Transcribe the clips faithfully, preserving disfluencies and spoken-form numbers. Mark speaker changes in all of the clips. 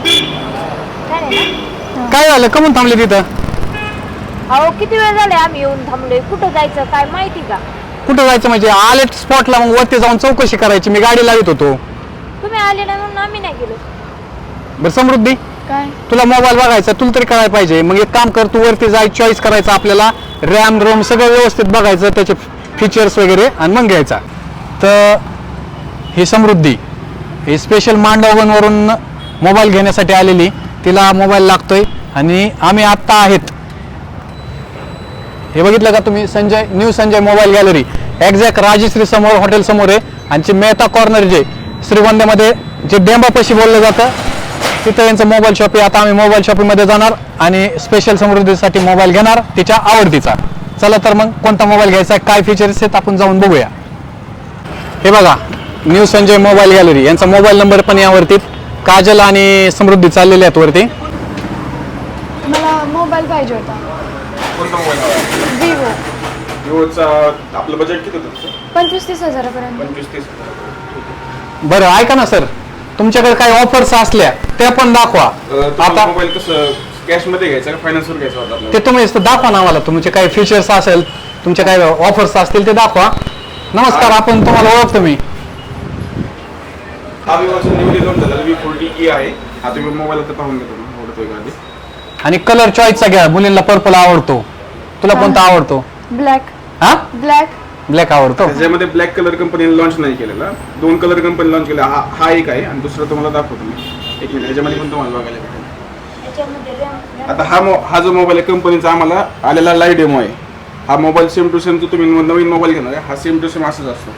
Speaker 1: काय झालं कमून थांबले तिथं?
Speaker 2: अहो किती वेळ झाले आम्ही येऊन थांबलोय. कुठं जायचं काय माहिती का?
Speaker 1: कुठं जायचं म्हणजे आले स्पॉटला, मग वरती जाऊन चौकशी करायची. मी गाडी लावित होतो.
Speaker 2: तुम्ही आले ना म्हणून आम्ही नाही गेलो.
Speaker 1: बरं समृद्धी,
Speaker 2: काय
Speaker 1: तुला मोबाईल बघायचा, तुला तरी कळायला पाहिजे. मग एक काम कर, तू वरती जाय, चॉईस करायचं आपल्याला, रॅम रोम सगळं व्यवस्थित बघायचं, त्याचे फीचर्स वगैरे, आणि मग घ्यायचा. तर ही समृद्धी ही स्पेशल मांडवगणवरून मोबाईल घेण्यासाठी आलेली. तिला मोबाईल लागतोय आणि आम्ही आत्ता आहेत, हे बघितलं का तुम्ही, Sanjay new Sanjay mobile gallery, exact Rajshree समोर, हॉटेल समोर आहे. आणि मेहता कॉर्नर जे श्रीगोंद्यामध्ये जे डेंबापाशी बोललं जातं तिथं यांचं मोबाईल शॉप आहे. आता आम्ही मोबाईल शॉपिंगमध्ये जाणार आणि स्पेशल समृद्धीसाठी मोबाईल घेणार, तिच्या आवडतीचा. चला तर मग कोणता मोबाईल घ्यायचा, काय फीचर्स आहेत आपण जाऊन बघूया. हे बघा, न्यू संजय मोबाईल गॅलरी, यांचा मोबाईल नंबर पण यावरती. काजल आणि समृद्धी चाललेले आहेत वरती.
Speaker 3: मला मोबाईल पाहिजे होता.
Speaker 4: कोणता मोबाईल हवा?
Speaker 3: विवो.
Speaker 4: विवोचा आपलं बजेट किती होतं?
Speaker 3: पंचवीस तीस हजारापर्यंत.
Speaker 4: पंचवीस तीस.
Speaker 1: बरं ऐका ना सर, तुमच्याकडे काही ऑफर्स असल्या त्या पण दाखवा.
Speaker 4: आता मोबाईल कसं कॅश मध्ये घ्यायचा का फायनान्सवर घ्यायचा होता आपल्याला?
Speaker 1: ते तुम्ही दाखवा ना आम्हाला, तुमचे काही फीचर्स असेल, तुमचे काही ऑफर्स असतील ते दाखवा. नमस्कार, आपण तुम्हाला ओळखतो मी.
Speaker 4: हा विवोचा न्यूली लॉन्च झालेला व्ही फोर्टी ई आहे. हा तुम्ही मोबाईल आता पाहून घेतो, आवडतोय का आधी.
Speaker 1: आणि कलर चॉईसचा घ्या, मुलींना पर्पल आवडतो. तुला कोणता आवडतो?
Speaker 3: ब्लॅक.
Speaker 1: हा,
Speaker 3: ब्लॅक.
Speaker 1: ब्लॅक आवडतो.
Speaker 4: त्याच्यामध्ये ब्लॅक कलर कंपनीने लॉन्च नाही केलेला, दोन कलर कंपनी लॉन्च केला. हा हा एक आहे आणि दुसरा तुम्हाला दाखवतो मी एक मिनिट. ह्याच्यामध्ये पण तुम्हाला बघायला भेटेल. आता हा मो हा जो मोबाईल आहे कंपनीचा आम्हाला आलेला लाईव्ह डेमो आहे. हा मोबाईल सेम टू सेम, जो तुम्ही नवीन मोबाईल घेणार आहे हा सेम टू सेम असाच असतो.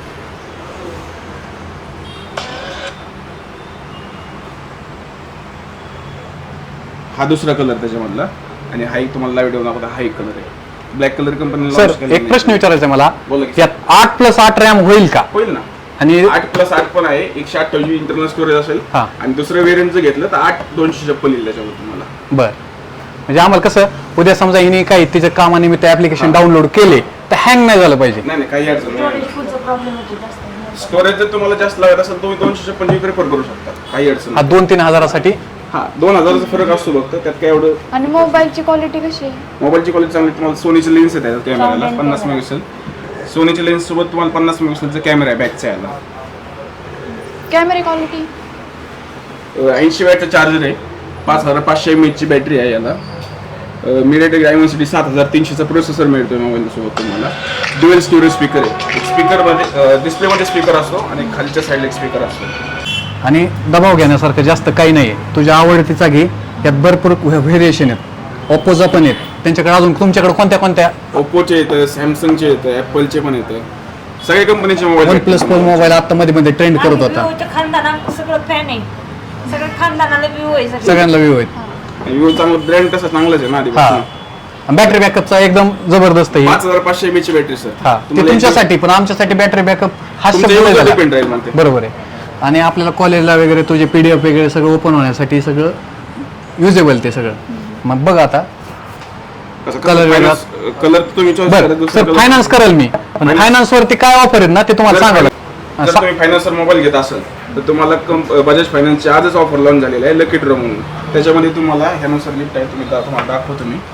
Speaker 4: हा दुसरा कलर त्याच्यामधला, आणि हा एक तुम्हाला लाईव्ह डेमो दाखवता. हा एक कलर आहे, ब्लॅक कलर कंपनी
Speaker 1: सर एक प्रश्न विचारायचा मला,
Speaker 4: बोला की.
Speaker 1: यात आठ प्लस आठ रॅम होईल का?
Speaker 4: होईल ना.
Speaker 1: आणि
Speaker 4: आठ प्लस आठ पण आहे, एकशे अठ्ठावीस इंटरनल स्टोरेज असेल.
Speaker 1: हा.
Speaker 4: आणि दुसरं वेरियंट जर घेतलं तर आठ दोनशे छप्पन येईल त्याच्यावर तुम्हाला.
Speaker 1: बर, म्हणजे आम्हाला कसं उद्या समजा हिने काही तिच्या कामानिमित्त ऍप्लिकेशन डाउनलोड केले तर हँग नाही झालं पाहिजे.
Speaker 4: नाही नाही, काही अडचण नाही. स्टोरेज जर तुम्हाला जास्त लागत असेल तुम्ही दोनशे छप्पन जी प्रिफर करू शकता, काही अडचण
Speaker 1: हा
Speaker 4: नाही.
Speaker 1: दोन तीन हजारासाठी.
Speaker 4: हा दोन हजाराचा फरक असतो फक्त, त्यात काय एवढं.
Speaker 3: आणि मोबाईलची क्वालिटी कशी आहे?
Speaker 4: मोबाईलची क्वालिटी चांगली. तुम्हाला सोनीची लेन्स आहे कॅमेराला, पन्नास मेगापिक्सल. सोनीच्या लेन्स सोबत तुम्हाला पन्नास मेगापिक्सलचा कॅमेरा आहे बॅकचा याला.
Speaker 3: कॅमेरा क्वालिटी
Speaker 4: ऐंशी वॅटचा चार्जर आहे, पाच हजार पाचशे एम एचची बॅटरी आहे याला. मिरेटेक डायमेन्सिटी सात हजार तीनशेचा प्रोसेसर मिळतोय मोबाईल सोबत तुम्हाला. ड्युअल स्टोरेज स्पीकर आहे, स्पीकरमध्ये डिस्प्लेमध्ये स्पीकर असतो आणि खालच्या साईडला एक स्पीकर असतो.
Speaker 1: आणि दबाव घेण्यासारखं जास्त काही नाही आहे. तुझ्या आवडतीचा घे, यात भरपूर व्हेरिएशन आहेत. ओप्पोचा पण आहेत, त्यांच्याकडे अजून तुमच्याकडे कोणत्या कोणत्या?
Speaker 4: ओप्पोचे येतं, सॅमसंगचे येतं, ॲपलचे पण येतं, सगळ्या कंपनीचे
Speaker 1: one
Speaker 4: mobile.
Speaker 1: Plus four mobile आता मध्ये मध्ये ट्रेंड करत होता.
Speaker 2: खानदाना सगळं फॅन आहे, सगळं खानदानाला व्ह्यू आहे सगळं.
Speaker 1: सगळ्यांना व्ह्यू आहेत.
Speaker 4: विवो चांगला ब्रँड तसा चांगलाच आहे ना आधी.
Speaker 1: हा, बॅटरी बॅकअपचा एकदम जबरदस्त आहे.
Speaker 4: पाच हजार पाचशे एम एचची बॅटरी सर.
Speaker 1: हा, ते तुमच्यासाठी, पण आमच्यासाठी बॅटरी बॅकअप हा शब्द नाही झाला.
Speaker 4: डिपेंड राहील म्हणते.
Speaker 1: बरोबर आहे. आणि आपल्याला कॉलेजला वगैरे तुझे पीडीएफ वगैरे सगळं ओपन होण्यासाठी सगळं युजेबल ते सगळं. मग बघ आता
Speaker 4: कलर वेगळा, कलर तुम्ही चॉईस करा.
Speaker 1: बरं सर, फायनान्स करेल मी, पण फायनान्स वरती काय ऑफर आहेत ना ते तुम्हाला सांगायला.
Speaker 4: जर तुम्ही फायनान्सवर मोबाईल घेत असाल तर तुम्हाला कंप बजाज फायनान्सची आजच ऑफर लॉन्च झालेला आहे, लकी ड्रॉ म्हणून. त्याच्यामध्ये तुम्हाला ह्यानुसार लिफ्ट आहे, तुम्ही तुम्हाला दाखवतो मी.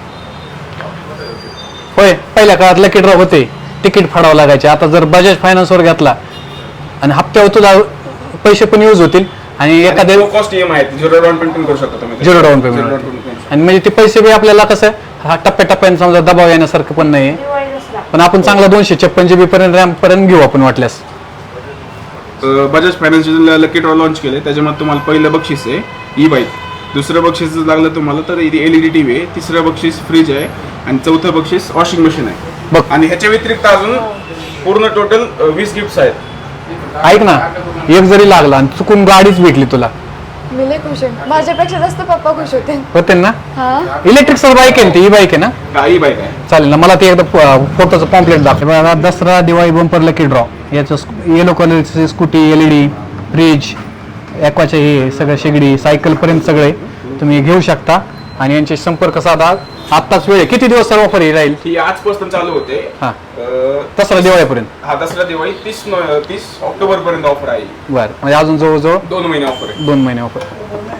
Speaker 1: होय, पहिल्या काळात लकी ड्रॉ होते, तिकीट फाडावं लागायचे. आता जर बजाज फायनान्सवर घेतला आणि हप्त्यावर तुला पैसे पण यूज होतील आणि एखाद्या
Speaker 4: कॉस्ट ईएमआय आहे, झिरो डाऊन पेमेंट करू शकता तुम्ही.
Speaker 1: Zero down payment. आणि म्हणजे ते पैसे बी आपल्याला कसं हा टप्प्याटप्प्याने समजा दबाव येण्यासारखं पण नाही, पण आपण चांगला दोनशे छप्पन जीबी पर्यंत रॅम पर्यंत घेऊ आपण वाटल्यास.
Speaker 4: बजाज फायनान्सचे लकी ड्रॉ लॉन्च केले, त्याच्यामध्ये तुम्हाला पहिलं बक्षीस आहे ई बाईक, दुसरं बक्षीस लागलं तुम्हाला तर एलईडी टीव्ही आहे, तिसरं बक्षीस फ्रीज आहे आणि चौथं बक्षीस वॉशिंग मशीन आहे
Speaker 1: बघ.
Speaker 4: आणि ह्याच्या व्यतिरिक्त अजून पूर्ण टोटल वीस गिफ्ट्स आहेत.
Speaker 1: ऐक ना, एक जरी लागला आणि चुकून गाडीच भेटली तुला,
Speaker 3: मी लय खुश आहे. माझ्यापेक्षा जास्त पप्पा खुश होते.
Speaker 1: होते ना.
Speaker 3: हा,
Speaker 1: इलेक्ट्रिक बाईक आहे ना ती, ई बाईक आहे ना.
Speaker 4: हा ई बाईक आहे.
Speaker 1: चालेल ना, मला ते एकदा फोटोचं पॉम्पलेट दाखव. Dussehra Diwali bumper lucky draw, याचं येलो कलरची स्कूटी, एलईडी, फ्रीज, ॲक्वाचे हे सगळं शेगडी, सायकल पर्यंत सगळे तुम्ही घेऊ शकता. आणि यांचे संपर्क साधा, आत्ताच वेळ. किती दिवस सर ऑफर राहील?
Speaker 4: ही आजपासून चालू होते.
Speaker 1: हा, दसरा दिवाळीपर्यंत.
Speaker 4: हा, दसरा दिवाळी तीस तीस ऑक्टोबर पर्यंत ऑफर आहे.
Speaker 1: बरं, म्हणजे अजून जवळजवळ
Speaker 4: दोन महिने ऑफर आहे.
Speaker 1: दोन महिने ऑफर.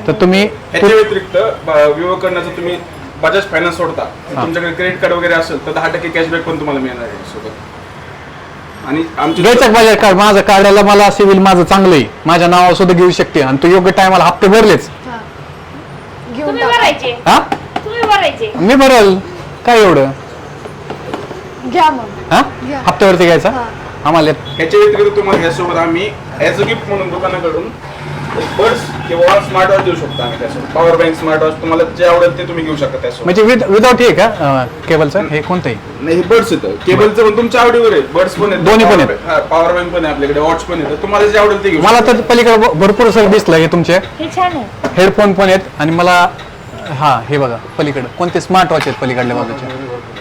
Speaker 1: तर तुम्ही
Speaker 4: ह्याच्या व्यतिरिक्त विवो कडनं जर तुम्ही बजाज फायनान्स सोडता तुमच्याकडे क्रेडिट कार्ड वगैरे असेल तर दहा टक्के कॅशबॅक पण तुम्हाला मिळणार आहे सोबत. आणि आमचे
Speaker 1: घ्यायचं बजाज कार्ड माझं काढायला मला सिव्हिल माझं चांगलं आहे, माझ्या नावावर सुद्धा घेऊ शकते आणि तू योग्य टायमाला हप्ते भरलेच.
Speaker 3: हा घेऊन
Speaker 2: तुम्ही
Speaker 3: टाका.
Speaker 2: भरायचे
Speaker 1: हा
Speaker 2: तुम्ही भरायचे
Speaker 1: मी भरल काय एवढं.
Speaker 3: घ्या मग.
Speaker 1: हा
Speaker 3: घ्या.
Speaker 1: हप्त्यावरती घ्यायचा
Speaker 3: हा.
Speaker 1: आम्हाला
Speaker 4: ह्याच्या व्यतिरिक्त तुम्हाला ह्यासोबत आम्ही ॲज अ गिफ्ट म्हणून दुकानाकडून बर्ड्स किंवा स्मार्ट वॉच देऊ शकतो आम्ही त्यासोबत. पॉवर बँक स्मार्ट वॉच तुम्हाला जे आवडेल ते तुम्ही घेऊ शकता त्यासोबत.
Speaker 1: म्हणजे विद विदाउट हे का केबलचं हे कोणतंही.
Speaker 4: नाही हे बर्ड्स येतं केबलचं पण तुमच्या आवडीवर आहे. बर्ड्स पण आहेत
Speaker 1: दोन्ही पण आहेत.
Speaker 4: हा पॉवर बँक पण आहे आपल्याकडे वॉच पण येतं तुम्हाला जे आवडेल ते घेऊ
Speaker 1: मला
Speaker 4: शकता.
Speaker 1: तर पलीकडे भ- भरपूर सर दिसलं हे तुमचे
Speaker 2: हे छान आहे.
Speaker 1: हेडफोन पण आहेत आणि मला हा हे बघा पलीकडे कोणते स्मार्ट वॉच आहेत पलीकडल्या बाजूचे,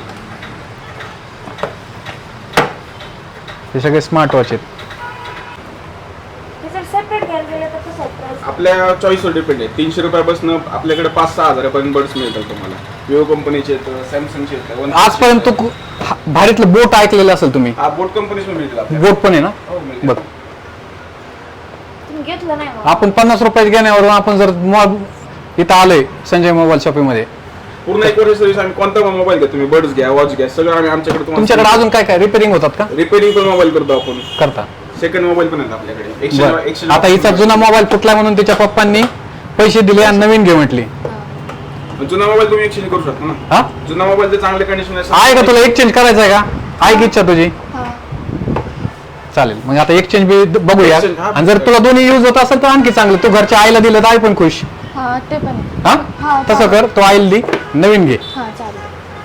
Speaker 1: हे सगळे स्मार्ट वॉच आहेत.
Speaker 2: हे जर सेपरेट घ्यायला गेलं तर कसं price?
Speaker 4: आपल्या चॉईसवर डिपेंड आहे. तीनशे रुपयापासून आपल्याकडे पाच सहा हजारापर्यंत बर्ड्स मिळतात तुम्हाला. विवो कंपनीचे येतं सॅमसंगचे येतं OnePlus
Speaker 1: आजपर्यंत तू कु- हा- भारीतलं बोट ऐकलेलं असेल तुम्ही.
Speaker 4: हा बोट कंपनीच पण मिळतील आपल्याला.
Speaker 1: बोट पण आहे ना.
Speaker 4: हो, मिळतील.
Speaker 1: बघ
Speaker 2: तुम्ही घेतलं नाही मग.
Speaker 1: आपण पन्नास रुपयाच्या घेण्यावरून आपण जर मॉल इथं आलोय संजय मोबाईल शॉपिंग मध्ये,
Speaker 4: पूर्ण एक वर्ष सर्व्हिस आम्ही कोणता पण मोबाईल घ्या तुम्ही बर्ड्स घ्या वॉच घ्या सगळं आम्ही आमच्याकडे
Speaker 1: तुमच्याकडे अजून काय काय रिपेअरिंग होतात का?
Speaker 4: रिपेअरिंग पण मोबाईल करतो आपण.
Speaker 1: करता.
Speaker 4: सेकंड मोबाईल पण आहेत आपल्याकडे.
Speaker 1: बरं.
Speaker 4: Exchange- exchange
Speaker 1: आता हिचा जुना मोबाईल फुटला म्हणून तिच्या पप्पांनी पैसे दिले आणि नवीन घे म्हटली.
Speaker 4: जुना मोबाईल तुम्ही एक्सचेंज करू शकता ना.
Speaker 1: हा
Speaker 4: जुना मोबाईल जर चांगल्या कंडिशन
Speaker 1: आहे का तुला एक्सचेंज करायचं आहे का? आहे की इच्छा तुझी?
Speaker 3: हा.
Speaker 1: चालेल मग आता एक्सचेंज बी द- बघूया.
Speaker 4: Exchange, हा.
Speaker 1: आणि जर तुला दोन्ही यूज होत असेल तर आणखी चांगलं. तू घरच्या आईला दिलं तर आई पण खुश.
Speaker 3: हा ते पण आहे.
Speaker 1: हा
Speaker 3: हा,
Speaker 1: तसं कर, तो आईला दे नवीन घे.
Speaker 3: हा चालेल.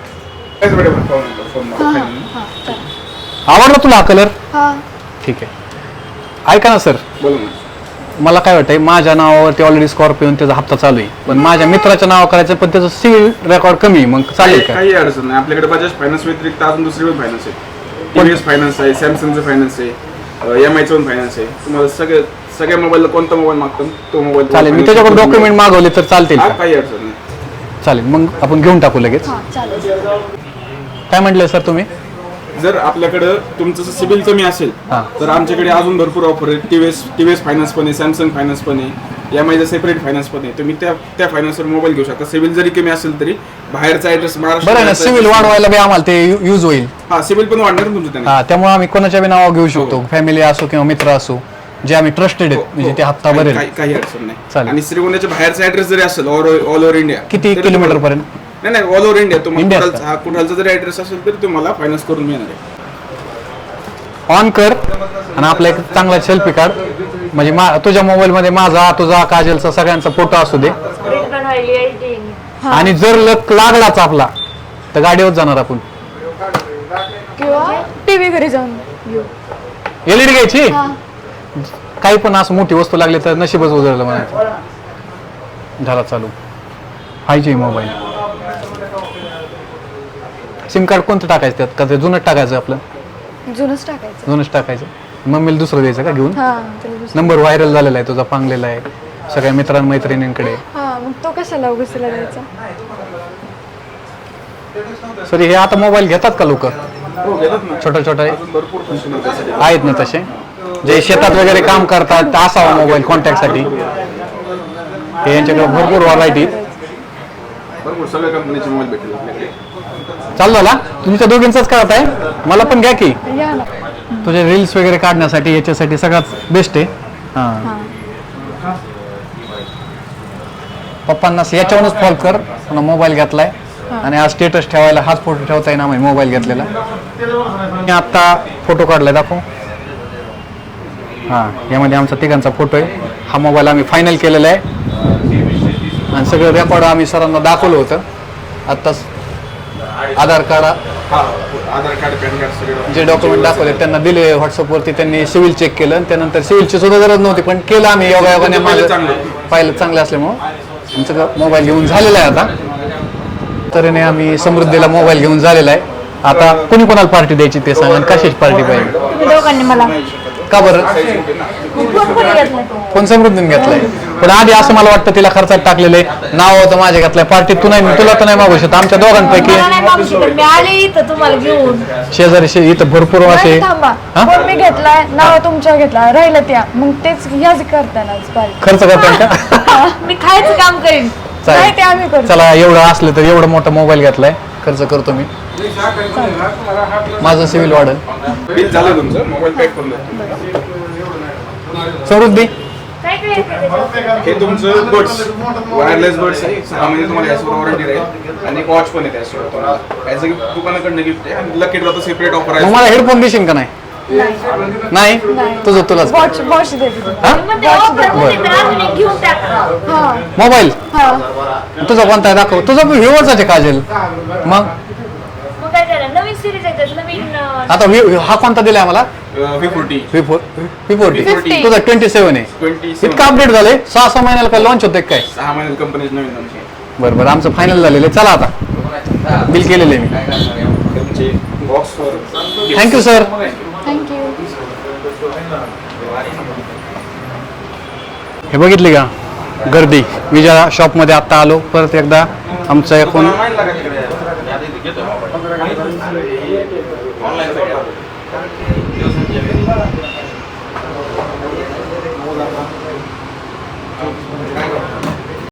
Speaker 3: हा हा हा चालेल.
Speaker 1: आवडला तुला हा कलर?
Speaker 3: हा
Speaker 1: ठीक आहे. ऐका ना सर,
Speaker 4: बोला ना.
Speaker 1: मला काय वाटतंय माझ्या नावावरती ऑलरेडी स्कॉर्पिओन त्याचा हप्ता चालू आहे, पण माझ्या मित्राच्या नावावर करायचं पण त्याचं सिव्हिल रेकॉर्ड कमी आहे. मग चालेल
Speaker 4: काही
Speaker 1: का?
Speaker 4: काही अडचण नाही. आपल्याकडे बजाज फायनान्स व्यतिरिक्त अजून दुसरी पण फायनान्स आहे. टीव्हीएस फायनान्स आहे, सॅमसंगचं फायनान्स आहे, एम आयचं पण फायनान्स आहे. तुम्हाला सगळे सगळ्या मोबाईलला कोणता मोबाईल मागतो तो मोबाईल
Speaker 1: चालेल. मी त्याच्याकडे डॉक्युमेंट मागवले तर चालतील
Speaker 4: हा
Speaker 1: का?
Speaker 4: काही अडचण नाही.
Speaker 1: चालेल मग आपण घेऊन टाकू लगेच.
Speaker 3: हा चालेल.
Speaker 1: काय म्हटलं सर तुम्ही?
Speaker 4: जर आपल्याकडं तुमचं सिबिल कमी असेल
Speaker 1: हा.
Speaker 4: तर आमच्याकडे अजून भरपूर ऑफर आहे. टीव्हीएस टीव्हीएस फायनान्स पण आहे, सॅमसंग फायनान्स पण आहे, एम आयचं सेपरेट फायनान्स पण आहे. तुम्ही त्या त्या फायनान्सवर मोबाईल घेऊ शकता. सिबिल जरी कमी असेल तरी बाहेरचा ऍड्रेस
Speaker 1: बरं आहे ना, सिव्हिल वाढवायला बी आम्हाला ते यूज होईल.
Speaker 4: हा सिबिल पण वाढणार ना तुमचं त्याने.
Speaker 1: हा त्यामुळे आम्ही कोणाच्या बी नावावर घेऊ शकतो,
Speaker 4: हो.
Speaker 1: फॅमिली असो किंवा मित्र असो जे आम्ही ट्रस्टेड आहेत, म्हणजे ते हप्ता भरेल.
Speaker 4: काही काही अडचण नाही.
Speaker 1: चालेल.
Speaker 4: आणि श्रीगोंद्याच्या बाहेरचा ऍड्रेस जरी असेल ऑल ऑल ओव्हर इंडिया
Speaker 1: किती
Speaker 4: तरी
Speaker 1: किलोमीटर
Speaker 4: तुम्हाला-
Speaker 1: पर्यंत?
Speaker 4: नाही नाही ऑल ओव्हर इंडिया तुम्हाला
Speaker 1: इंडियात
Speaker 4: कुठालचा- हा कुठालचा जरी ऍड्रेस असेल तरी तुम्हाला फायनान्स करून मिळणार आहे.
Speaker 1: ऑन कर आणि आपला एक चांगला सेल्फी काढ, म्हणजे मा- तुझ्या मोबाईल मध्ये माझा तुझा काजलचा सगळ्यांचा फोटो असू दे.
Speaker 2: Print बनवायली editing.
Speaker 1: आणि जर लक लागलाच आपला तर गाडीवर जाणार आपण.
Speaker 3: किंवा टीव्ही घरी जाऊन घेऊ.
Speaker 1: एलईडी घ्यायची.
Speaker 3: हा
Speaker 1: काही पण असं मोठी वस्तू लागली तर नशीबच उजळलं म्हणायचं. झाला चालू. फायजी मोबाईल. सिम कार्ड कोणतं टाकायचं त्यात का ते जुनच टाकायचं? आपलं
Speaker 3: जुनच टाकायचं.
Speaker 1: जुनच टाकायचं. मम्मीला दुसरं द्यायचं का घेऊन?
Speaker 3: हा त्याला दुसरं.
Speaker 1: नंबर व्हायरल झालेला आहे तुझा, पांगलेला आहे सगळ्या मित्रांमैत्रिणींकडे.
Speaker 3: हा मग तो कशाला उगाच त्याला द्यायचा?
Speaker 1: सर हे आता मोबाईल घेतात का लोक?
Speaker 4: हो घेतात ना.
Speaker 1: छोटा छोटा
Speaker 4: अजून भरपूर फंक्शन आहेत त्यासाठी.
Speaker 1: आहेत ना तसे, जे शेतात वगैरे काम करतात तर असावा मोबाईल कॉन्टॅक्टसाठी. हे यांच्याकडे भरपूर व्हरायटी.
Speaker 4: भरपूर सगळ्या कंपनीचे मोबाईल भेटतील आपल्याकडे.
Speaker 1: चालू झाला तुमच्या दोघींचाच करत आहे? मला पण घ्या की.
Speaker 3: या ना.
Speaker 1: तुझे रील्स वगैरे काढण्यासाठी याच्यासाठी सगळ्यात बेस्ट आहे. हां
Speaker 3: हा
Speaker 1: पप्पांना याच्यावरूनच कॉल कर, पुन्हा मोबाईल घेतलाय आणि आज स्टेटस ठेवायला हाच फोटो ठेवता येईल आम्ही मोबाईल घेतलेला. मी आत्ता फोटो काढलाय, दाखव. हां यामध्ये आमचा तिघांचा फोटो आहे. हा मोबाईल आम्ही फायनल केलेला आहे आणि सगळं रेकॉर्ड आम्ही सरांना दाखवलं होतं आत्ताच. आधार कार्ड,
Speaker 4: हा आधार कार्ड पॅन कार्ड सगळे
Speaker 1: जे डॉक्युमेंट दाखवले त्यांना दिले व्हॉट्सअपवरती. त्यांनी सिव्हिल चेक केलं आणि त्यानंतर सिव्हिलची सुद्धा गरज नव्हती, पण केलं आम्ही योगायोगाने. माझं पाहिलं चांगलं असल्यामुळं आमचं मोबाईल घेऊन झालेला आहे आता. तऱ्हेने आम्ही समृद्धीला मोबाईल घेऊन झालेला आहे. आता कुणी कोणाला पार्टी द्यायची ते सांगा आणि कशाची पार्टी पाहिजे?
Speaker 2: तुम्ही दोघांनी मला
Speaker 1: का बरं
Speaker 2: फोन कोणी घेतलाय?
Speaker 1: फोन समृद्धीने घेतलाय पण आधी असं मला वाटतं तिला खर्चात टाकलेलं आहे नाव होतं माझ्या घेतलंय पार्टी तू नाही तुला तर नाही मागू शकत आमच्या दोघांपैकी
Speaker 2: मला नाही मागू शकत. मी आले इथं तुम्हाला घेऊन.
Speaker 1: शेजारी शे- इथं भरपूर असे
Speaker 3: नाही, थांबा
Speaker 1: हा?
Speaker 3: फोन मी घेतलाय नाव तुमच्या घेतला राहिलं त्या मग तेच ह्याच करतानाच पाहिजे
Speaker 1: खर्च करताय का
Speaker 2: मी खायचं काम करीन.
Speaker 3: नाही ते आम्ही
Speaker 1: चालेल
Speaker 3: करतो
Speaker 1: चला एवढं असलं तर एवढं मोठा मोबाईल घेतलाय खर्च करतो मी माझं सिव्हिल वाढेल
Speaker 4: बिल झालं तुमचं मोबाईल पॅक करून द्या.
Speaker 1: समृद्धी
Speaker 2: काय काय येतं त्याच्यात?
Speaker 4: हे तुमचं बड्स वायरलेस बड्स आहे सहा महिने तुम्हाला याच्यावर वॉरंटी राहील आणि एक वॉच पण आहे त्याशिवाय तुम्हाला ॲज अ गिफ्ट दुकानाकडनं गिफ्ट आहे आणि लकी ड्रॉ सेपरेट ऑफर
Speaker 1: मग
Speaker 4: आहे.
Speaker 1: मला हेडफोन देशील का नाही नाही तुझं तुलाच
Speaker 3: वॉच वॉच देते तुम्हाला.
Speaker 2: मग ते offer मध्ये तर अजून एक घेऊन टाका.
Speaker 3: हा
Speaker 1: मोबाईल
Speaker 3: हा
Speaker 1: तुझा कोणता आहे दाखव तुझा व्ह्यूवरचा आहे काजल मग
Speaker 2: मग काय झालं नवीन सिरीज आहे त्यात नवीन अं,
Speaker 1: आता view- हा कोणता दिलाय आम्हाला
Speaker 4: V forty
Speaker 1: V forty
Speaker 3: fifty.
Speaker 1: तुझा ट्वेंटी सेव्हन आहे
Speaker 4: ट्वेंटी
Speaker 1: इतका अपडेट झाले सहा सहा महिन्याला काय लॉन्च होते काय
Speaker 4: सहा महिन्यात कंपनीज नवीन लॉन्च आहे.
Speaker 1: बरं बरं आमचं फायनल झालेलं आहे चला आता बिल केलेलं आहे मी
Speaker 4: तुमचे बॉक्सवर
Speaker 1: थँक्यू सर
Speaker 3: थँक्यू
Speaker 1: हे बघितली का गर्दी विजया शॉपमध्ये आत्ता आलो परत एकदा आमचं एकूण
Speaker 4: ऑनलाईन